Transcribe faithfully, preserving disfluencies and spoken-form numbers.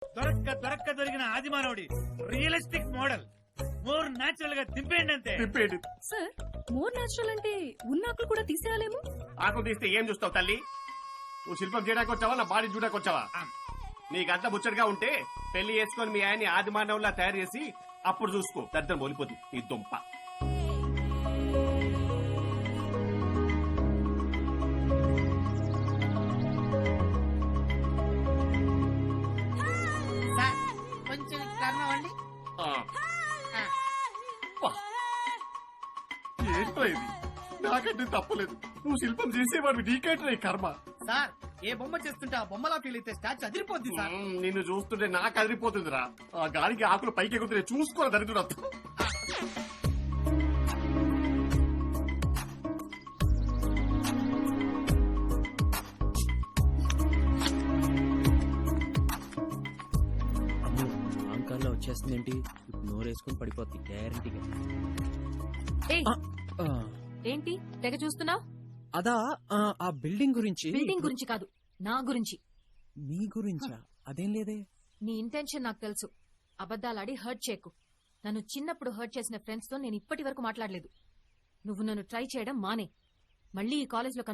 దొరక్క దొరక్క దొరికిన ఆది మానవుడి రియలిస్టిక్ మోడల్ మోర్ నాచురల్ గా తిప్పేయండి అంతే. తిప్పేయండి. సార్ మోర్ నాచురల్ అంటే ఉన్నాకులు కూడా తీసేయాలేమో. ఆకు తీస్తే ఏం చూస్తావు తల్లి? నువ్వు శిల్పం చేయడానికి వచ్చావా, నా బాడీ చూడడానికి వచ్చావా? నీకంతా ముచ్చటగా ఉంటే పెళ్లి చేసుకొని మీ ఆయన్ని ఆది మానవులా తయారు చేసి అప్పుడు చూసుకో. దద్దం ఓలిపోతుంది ఈ దుంప. కొంచెం కర్మవండి. ఏంటో ఇది? నాకంటే తప్పలేదు. నువ్వు శిల్పం చేసేవాడు నీకంటే కర్మ. సార్ ఏ బొమ్మ చేస్తుంటే ఆ బొమ్మలా ఫీల్ అయితే స్టాచ్యూ అదిరిపోద్ది సార్. మ్మ్, నిన్ను చూస్తుంటే నాకు అదిరిపోతుందిరా. ఆ గాలికి ఆకులు పైకి ఎగురుతుంటే చూసుకోవాలి దరిద్రుడు. అంకాల్లో వచ్చేస్తుందేంటి? ఇప్పుడు నోరేసుకుని పడిపోద్ది గ్యారంటీగా. ఏయ్, ఆ, ఏంటి తెగ చూస్తున్నావు? అదా ఆ, ఆ బిల్డింగ్ గురించి. బిల్డింగ్ గురించి కాదు, నా గురించి. మీ గురించా? అదేం లేదే. నీ ఇంటెన్షన్ నాకు తెలుసు. అబద్దాలాడి హర్ట్ చేయకు. నన్ను చిన్నప్పుడు హర్ట్ చేసిన ఫ్రెండ్స్ తో నేను ఇప్పటి వరకు మాట్లాడలేదు. నువ్వు నన్ను ట్రై చేయడం మానే. మళ్ళీ ఈ కాలేజ్ లో